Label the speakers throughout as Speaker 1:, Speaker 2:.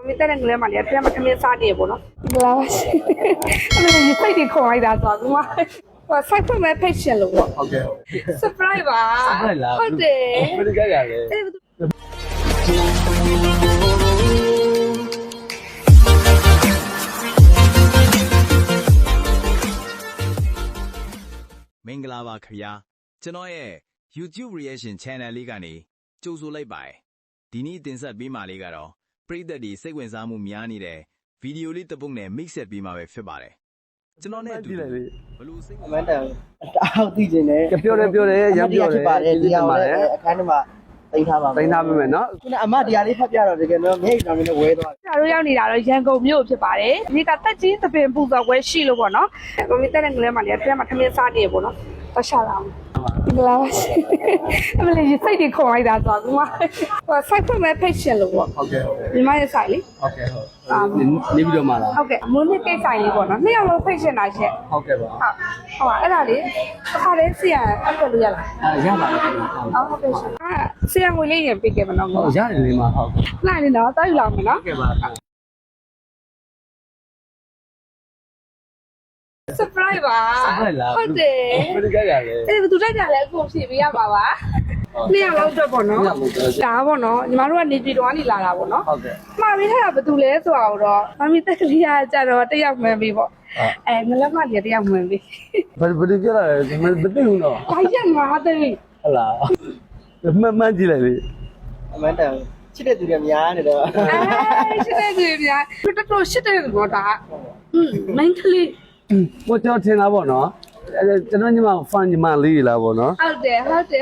Speaker 1: မိတဲ့ငလေးမလေးပြန်မခမင်းစားနေပေါ့နော်။ဒီလားပါရှင်။အဲ့လိုစိတ်တွေခေါ်လိုက်တာဆိုတော့ဟိုစိုက်ဖွင့်မဲ့ patient လို့ပေါ့။
Speaker 2: ဟုတ်ကဲ့
Speaker 1: surprise ပါ
Speaker 2: surprise လား
Speaker 1: ဟုတ်တယ်
Speaker 2: ဘယ်လိုကြရလဲ
Speaker 3: မင်္ဂလာပါခင်ဗျာကျွန်တော်ရဲ့ YouTube reaction channel လေးကနေကြိုဆိုလိုက်ပါတယ်ဒီနေ့တင်ဆက်ပေးမှာလေးကတော့ပရိသတ်တွေစိတ်ဝင်စားမှုများနေတဲ့ဗီဒီယိုလေးတစ်ပုဒ်နဲ့ mix ဆက်ပေးမှာပဲဖြစ်ပါတယ်ကျွန်တော်နဲ့အတူဘယ်လိုစိတ်ဝင်စား
Speaker 4: တအားသိကျင်တယ်
Speaker 2: ပြောတယ်ရမ်းပြောတယ်
Speaker 4: ဖြစ်ပါတယ်တရားဝင်အခန်းထဲမှာတင်ထားပါမယ်
Speaker 2: တင်ထားပေးမယ်နော်
Speaker 4: ခုနအမတရားလေးဖတ်ပြတော့တကယ်တော့မျက်နှာနဲ့ဝဲသွား
Speaker 1: ။ကျွန်တော်တို့ရောက်နေတာတော့ရန်ကုန်မြို့ဖြစ်ပါတယ်။ဒီကတက်ကြီးသပင်ပူဇော်ပွဲရှိလို့ပေါ့နော်။မိတဲ့ငလေးမလေးပြန်မခမင်းစားနေပေါ့နော်။တော့ရှာလာအောင်။ဒီလားပါရှင်။အဲ့လိုစိတ်တွေခေါ်လိုက်တာဆိုတော့ဟိုစိုက်ဖွင့်မဲ့ patient လို့ပေါ့
Speaker 2: ဟုတ်ကဲ့
Speaker 1: ။ဒီမရဲ့ဆိုင်လေ
Speaker 2: ဟုတ်ကဲ့နေပြီးတော့မှလား
Speaker 1: ဟုတ်ကဲ့အမွေးနေ့ကိစ္စဆိုင်လေးပေါ့နော်နှစ်ယောက်လုံး patient လာရှက်
Speaker 2: ဟုတ်ကဲ့ပါ
Speaker 1: ဟုတ်အဲ့ဒါလေးတစ်ခါလေးဆီရအပ်လို့ရလား
Speaker 2: ရပါလား
Speaker 1: ဟုတ်ကဲ့ရှင်ဆီရငွေလေးရင်ပေးခဲ့မနော်
Speaker 2: ဟုတ်ရတယ်လေးမဟုတ်
Speaker 1: နိုင်နေတော့တောက်ယူလာမယ်နော်
Speaker 2: ကဲ့ပါ
Speaker 1: surprise ပါ
Speaker 2: surprise လား
Speaker 1: ဟုတ်တယ်
Speaker 2: ဘယ်လိုကြရလဲ
Speaker 1: အဲ့ဒါသူတိုက်ကြလဲအခုဖြည့်ပေးရပါပါနှစ်ယောက်လောက်တော့ပေါ့နော်ဒါပေါ့နော်ညီမတို့ကနေပြည်တော်ကနေလာတာပေါ့နော်
Speaker 2: ဟုတ်ကဲ့
Speaker 1: မှားပြီးထားတာဘယ်သူလဲဆိုတာတော့မမီတက်ကလေးကကြတော့တယောက်မှန်ပြီပေါ့ငလက်မကြီးတယောက်မှန်ပြီ
Speaker 2: ဘယ်လိုကြရလဲမသိဘူးနော်
Speaker 1: ဒါရက်ငါသိ
Speaker 2: ဟုတ်လားမှန်ကြည့်လိုက်လေ
Speaker 4: အမန်တန်ချစ်တဲ့သူတွေများနေတော့
Speaker 1: ရှစ်တဲ့သူတွေတော်တော်ရှစ်တဲ့သူပေါ့ဒါမင်းကလေး
Speaker 2: ကိုကျွန်တော်ထင်တာပေါ့နော်ကျွန်တော်ညီမ fan ညီမလေးလားပေါ့နော်
Speaker 1: ဟုတ်တယ်ဖန်က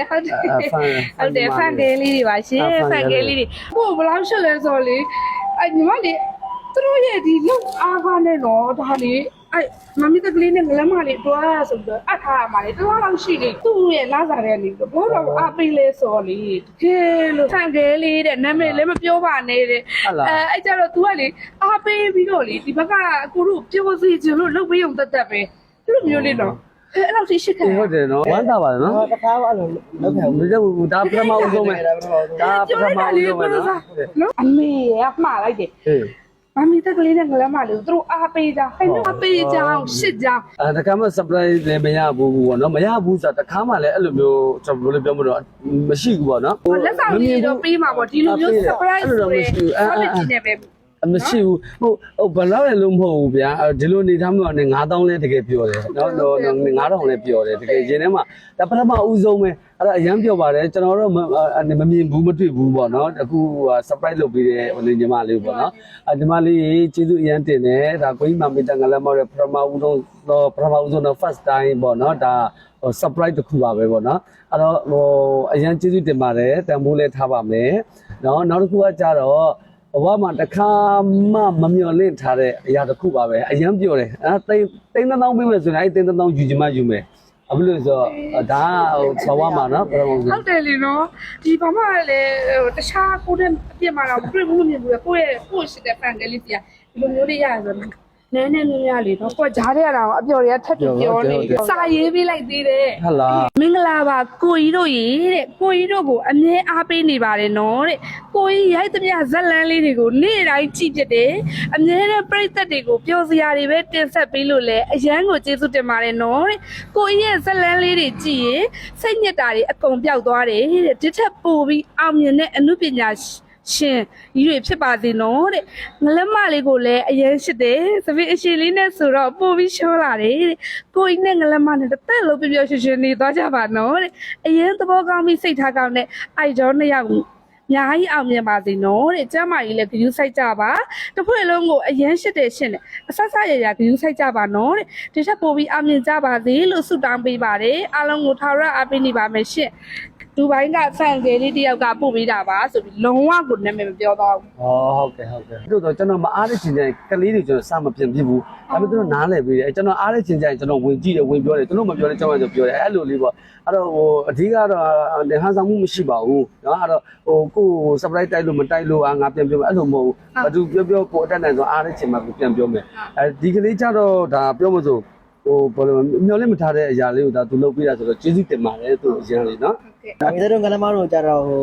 Speaker 1: လေးတွေပါရှင်ဖန်ကလေးတွေဟိုဘယ်လောက်ရှစ်လဲဆိုလေအဲ့ညီမလေးသူတို့ရဲ့ဒီလုံအားကားနဲ့တော့ဒါလေအဲ့မမီတကလေးနဲ့ငလမ်းမလေးတွားဆိုတော့အထားရမှာလေတော်တော်ရှိနေသူ့ရဲ့လာစားတဲ့နေတော့ဘောတော့အားပေးလဲဆိုလေတကယ်လို့ဖန်ကလေးတဲ့နာမည်လည်းမပြောပါနဲ့တဲ့အဲ့ကြတော့ तू ကလေအားပေးပြီးတော့လေဒီဘက်ကကိုတို့ပြောစီချင်လို့လုပ်ပေးုံတက်တက်ပဲသူ့မျိုးလေးတော့အဲ့လောက်ရှိခဲ့
Speaker 2: ဟုတ်တယ်နော်ဝမ်းသာပါတယ်နော်
Speaker 4: တခါအဲ့လိုလုပ်ခဲ့ဘူး
Speaker 2: ဒါပထမဦးဆုံးပဲဒါပထမဦးဆုံးပဲနော်
Speaker 1: နော်အမေရမှားလိုက်တယ်
Speaker 2: အေး
Speaker 1: မမီတက်ကလေးနဲ့ငလမ်းမလေးသူတို့အားပေးကြဟဲ့နော်အားပေးကြအောင်ရှစ်ကြအောင်
Speaker 2: တခါမှ surprise လည်းမရဘူးပေါ့နော်မရဘူးဆိုတာတခါမှလည်းအဲ့လိုမျိုးကျွန်တော်ဘယ်လိုပြောမလို့မရှိဘူးပေါ့နော်
Speaker 1: လက်ဆောင်လေးတော့ပေးမှာပေါ့ဒီလိုမျိုး surprise ဆိုရဲ quality နဲ့ပဲ
Speaker 2: မရှိဘူးဟိုဘယ်လောက်လဲလို့မဟုတ်ဘူးဗျာဒီလိုနေထားမှလည်း9000လဲတကယ်ပြောတယ်နော်9000လဲပြောတယ်တကယ်ရင်ထဲမှာဒါပထမဦးဆုံးပဲအဲ့ဒါအရန်ပြောပါတယ်ကျွန်တော်တို့မမြင်ဘူးမတွေ့ဘူးပေါ့နော်အခု surprise လုပ်ပေးတဲ့ဟိုညီမလေးပေါ့နော်ညီမလေးကျေးဇူးအရန်တင်တယ်ဒါကိုကြီးမမေတ္တာငလည်းမောက်တဲ့ပထမဦးဆုံးတော့ first time ပေါ့နော်ဒါ surprise တစ်ခုပါပဲပေါ့နော်အဲ့တော့ဟိုအရန်ကျေးဇူးတင်ပါတယ်တန်ဖိုးလဲထားပါမယ်နော်နောက်တစ်ခုကကြတော့ဘဝမှာတစ်ခါမှမမျှော်လင့်ထားတဲ့အရာတစ်ခုပါပဲအရန်ပြောတယ်တိန်းတောင်းပေးမယ်ဆိုရင်အဲ့တိန်းတောင်းယူချင်မှယူမယ်အခုလို့ဆိုတော့ဒါဟိုဘဝမှာနော်ဘယ်လိုလဲ
Speaker 1: ဟုတ်တယ်လीနော်ဒီဘာမှလည်းတခြားကိုတဲ့အပြစ်မှာတော့တွေ့ဘူးမမြင်ဘူးလေကိုယ့်ရှိတဲ့ fan ကလေးစီကဒီလိုမျိုးလေးရရဆိုတော့နည်းနည်းများလေးနော်ကိုယ်ကြားထဲရတာအပျော်တွေကထပ်ပြီးပြောနေစာရေးပေးလိုက်သေးတယ်
Speaker 2: ဟုတ်လား
Speaker 1: မင်္ဂလာပါကိုကြီးတို့ရေတဲ့ကိုကြီးတို့ကိုအမြဲအားပေးနေပါတယ်နော်တဲ့ကိုကြီးရိုက်သမျှဇက်လန်းလေးတွေကိုနေ့တိုင်းကြည့်ပြတယ်အမြဲတမ်းပရိသတ်တွေကိုပျော်စရာတွေပဲတင်ဆက်ပေးလို့လဲအရန်ကိုကျေးဇူးတင်ပါတယ်နော်တဲ့ကိုကြီးရဲ့ဇက်လန်းလေးတွေကြည့်ရင်စိတ်ညစ်တာတွေအကုန်ပျောက်သွားတယ်တဲ့ဒီထက်ပိုပြီးအောင်မြင်တဲ့အမှုပညာရှင်ကြီးတွေဖြစ်ပါစေနော်တဲ့ငလက်မလေးကိုလည်းအရင်ရှိတယ်သပင်အရှင်လေးနဲ့ဆိုတော့ပို့ပြီးရှောလာတယ်တဲ့ကိုကြီးနဲ့ငလက်မနဲ့တစ်သက်လုံးပျော်ရွှင်ရွှင်နေသွားကြပါနော်တဲ့အရင်သဘောကောင်းပြီးစိတ်ထားကောင်းတဲ့အိုက်ဒေါနှစ်ယောက်အများကြီးအောင်မြင်ပါစေနော်တဲ့ကျမ်းမာကြီးလည်းဂရုစိုက်ကြပါတစ်ဖွဲ့လုံးကိုအရင်ရှိတယ်ရှင်တယ်အဆက်ဆက်ရရဂရုစိုက်ကြပါနော်တဲ့ဒီထက်ပိုပြီးအောင်မြင်ကြပါစေလို့ဆုတောင်းပေးပါတယ်အားလုံးကိုထာဝရအားပေးနေပါမယ်ရှင်ဒူဘိုင်းကဖန်ကလေးတယောက်ကပို့ပေးတာပါဆိုပြီးလုံးဝကိုနာမည်မပြောတော့ဘူး
Speaker 2: ဩဟုတ်ကဲ့တို့တော့ကျွန်တော်မအားတဲ့ချိန်ကျရင်ကလေးတွေကျွန်တော်စမပြင်ပြဘူးဒါပေမဲ့သူတို့နားလည်ပြီးတယ်ကျွန်တော်အားတဲ့ချိန်ကျရင်ကျွန်တော်ဝင်ကြည့်တယ်ဝင်ပြောတယ်သူတို့မပြောလဲကျွန်တော်ပြောတယ်အဲ့လိုလေးပေါ့အဲ့တော့ဟိုအဓိကတော့ဟန်ဆောင်မှုမရှိပါဘူးเนาะအဲ့တော့ဟိုကို surprise တိုက်လို့မတိုက်လို့ငါပြန်ပြောမယ်အဲ့လိုမဟုတ်ဘူးဘာသူပြောကိုအတက်နိုင်ဆိုအားတဲ့ချိန်မှာပြန်ပြောမယ်အဲဒီကလေးကြတော့ဒါပြောမစို့ဟိုဘယ်လိုမျောလင့်မထားတဲ့အရာလေးကိုဒါသူလုပ်ပေးတာဆိုတော့ကျေးဇူးတင်ပါတယ်သူအရင်လေးเนาะ
Speaker 4: ဒါပေမဲ့တို့ငလမတို့ကြတော့ဟို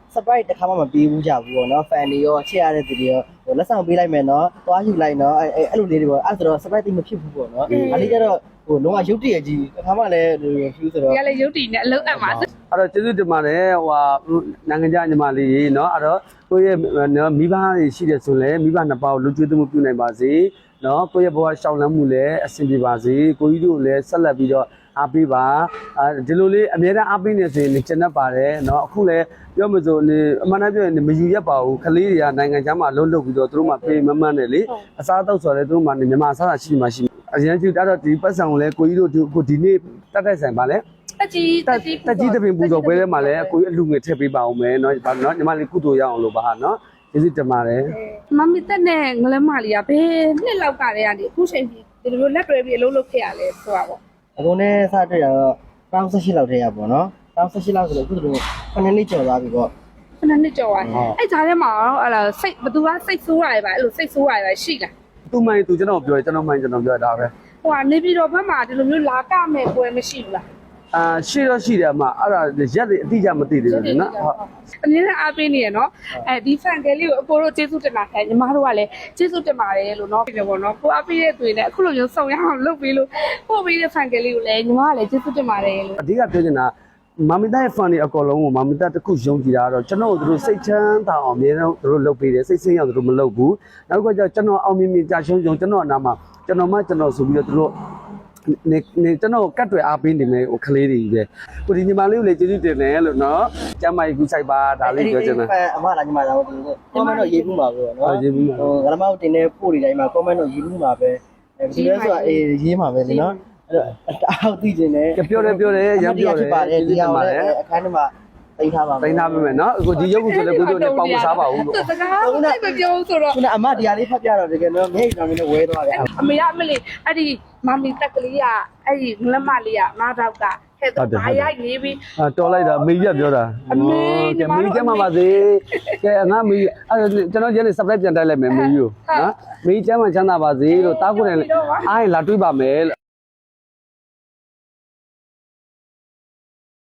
Speaker 4: surprise တစ်ခါမှမပေးဘူးကြဘူးပေါ့နော် fan တွေရောချစ်ရတဲ့သူတွေရောလက်ဆောင်ပေးလိုက်မယ်နော်သွားယူလိုက်နော်အဲ့လိုလေးတွေပေါ့အဲ့ဆိုတော့ surprise တိတ်မဖြစ်ဘူးပေါ့နော်အဲ့ဒီကျတော့လုံးဝရုပ်တရက်ကြီးတစ်ခါမှလည်း refuse ဆိုတော့
Speaker 1: ဒီကလည်းရုပ်တည်နဲ့အလုံးအပ်မှာ
Speaker 2: အဲ့တော့ကျေးဇူးတင်ပါတယ်ဟိုဟာနိုင်ငံခြားညီမလေးကြီးเนาะအဲ့တော့ကိုယ့်ရဲ့နော်မိဘတွေရှိတယ်ဆိုလည်းမိဘနှစ်ပါးကိုလူကျွေးမှုပြုနိုင်ပါစေเนาะကိုယ့်ရဲ့ဘဝရှောင်လန်းမှုလည်းအဆင်ပြေပါစေကိုကြီးတို့လည်းဆက်လက်ပြီးတော့အားပေးပါဒီလိုလေးအများအားအားပေးနေဆိုရင်ကျန်တတ်ပါတယ်เนาะအခုလည်းပြောမစို့နေအမှန်တမ်းပြောရင်မယူရက်ပါဘူးခလေးတွေကနိုင်ငံခြားမှာလုံးလုပ်ပြီးတော့သူတို့မှပေးမမှန်းတယ်လေအစားအသောက်ဆိုတော့သူတို့မှမြန်မာအစားအစာရှိမှရှိအရင်ကတတော့ဒီပတ်စံကိုလည်းကိုကြီးတို့ကိုဒီနေ့တက်တက်ဆိုင်ပါလေတက်ကြီးတပင်ပူတော်ပွဲထဲမှာလည်းအကိုကြီးအလူငွေထည့်ပေးပါအောင်မယ်เนาะညီမလေးကုသိုလ်ရအောင်လို့ပါဟာเนาะကျေးဇူးတင်ပါတယ်
Speaker 1: မမီတက်နဲ့ငလမလေးကဘယ်နှစ်လောက်ကတည်းကနေအခုချိန်ကြီးဒီလိုလက်တွဲပြီးအလုပ်လုပ်ခဲ့ရလဲဆိုတာပေါ့
Speaker 4: အခုနဲ့စတွေ့ရတော့18လောက်တည်းရပေါ့နော်18လောက်ဆိုတော့အခုတို့9နှစ်ကျော်သွားပြီပေါ့
Speaker 1: ခဏနှစ်ကြော်သွားအဲ့ဈာထဲမှာအဲ့ဒါစိတ်ဘသူကစိတ်ဆိုးရတယ်ဗျအဲ့လိုစိတ်ဆိုးရတယ်ရှိလား
Speaker 2: သူ့မိုင်းသူကျွန်တော်ပြောတယ်ကျွန်တော်မိုင်းကျွန်တော်ပြောတာပဲ
Speaker 1: ဟိုကနေပြီးတော့ဘက်မှာဒီလိုမျိုးလာကမဲ့ပွဲမရှိဘူးလား
Speaker 2: ရှိတော့ရှိတယ်အမအဲ့ဒါရက်တွေအတိအကျမသိသေးဘူးနော်ဟုတ်
Speaker 1: အနည်းနဲ့အားပေးနေရနော်အဲဒီဖန်ကလေးကိုအကိုတို့ကျေးဇူးတင်တာခိုင်းညီမတို့ကလည်းကျေးဇူးတင်ပါတယ်လို့နော်ပြောပေါ့နော်ကိုအားပေးတဲ့သူတွေနဲ့အခုလိုမျိုးစုံရအောင်လုပ်ပြီးလို့ပို့ပြီးတဲ့ဖန်ကလေးကိုလည်းညီမကလည်းကျေးဇူးတင်ပါတယ်လို့
Speaker 2: အဓိကပြောချင်တာမမီတာရဲ့ fan တွေအကုန်လုံးကိုမမီတာတစ်ခုယုံကြည်တာကတော့ကျွန်တော်တို့စိတ်ချမ်းသာအောင်အများဆုံးတို့လုပ်ပေးတယ်စိတ်ဆင်းရဲအောင်တို့မလုပ်ဘူးနောက်ကကျကျွန်တော်အောင်မြင်မြင်ကြာရှုံးကျွန်တော်အနာမှာကျွန်တော်ဆိုပြီးတော့တို့နေကျွန်တော်ကတ်တွေအားပေးနေမယ်ဟိုကလေးတွေကြီးပဲကိုဒီညီမလေးကိုလည်းကျေးဇူးတင်တယ်လို့နော်ကျမ်းမကြီးကူဆိုင်ပါဒါလေးပြောချင်တာ
Speaker 4: အမလာညီမလာတော့ဒီ comment တော့ရေးဘူးမှာပဲနော်ဟိုဂရမောက်တင်တဲ့ပို့တွေတိုင်းမှာ comment တော့ရေးဘူးမှာပဲဒီလဲဆိုတာရေးမှာပဲလေနော်အဲ့တော့အောက်သိကျင်တယ်
Speaker 2: ပြောတယ်ရမ်းပြောတယ်
Speaker 4: ပါတယ်ဒီအောင်လည်းအခန်းထဲမှာတိတ်ထားပါမယ်
Speaker 2: တိုင်းထားပေးမယ်နော်အခုဒီရုပ်ကိုဆိုလည်းကိုတို့လည်းပေါင်မစားပါဘူးလို့
Speaker 1: စကားမပြောဆိုတော့
Speaker 4: ခုနအမဒီဟာလေးဖတ်ပြတော့တကယ်တော့မျက်ရည်တောင်နဲ့ဝဲသွားတယ်
Speaker 1: အမေရမလေးအဲ့ဒီမမီတက်ကလေးကအဲ့ဒီငလမလေးကငါတော့ကဟဲ့တော့ဘာရိုက်နေပြီ
Speaker 2: တော်လိုက်တာမေကြီးကပြောတာကဲမေကြီးကျမပါစေကဲငါမေကြီးအဲ့ကျွန်တော်ကျန်နေ subscribe ပြန်တိုက်လိုက်မယ်မေကြီးကိုနော်မေကြီးကျမချမ်းသာပါစေလို့တားကိုလည်းအားရင်လာတွေးပါမယ်လို့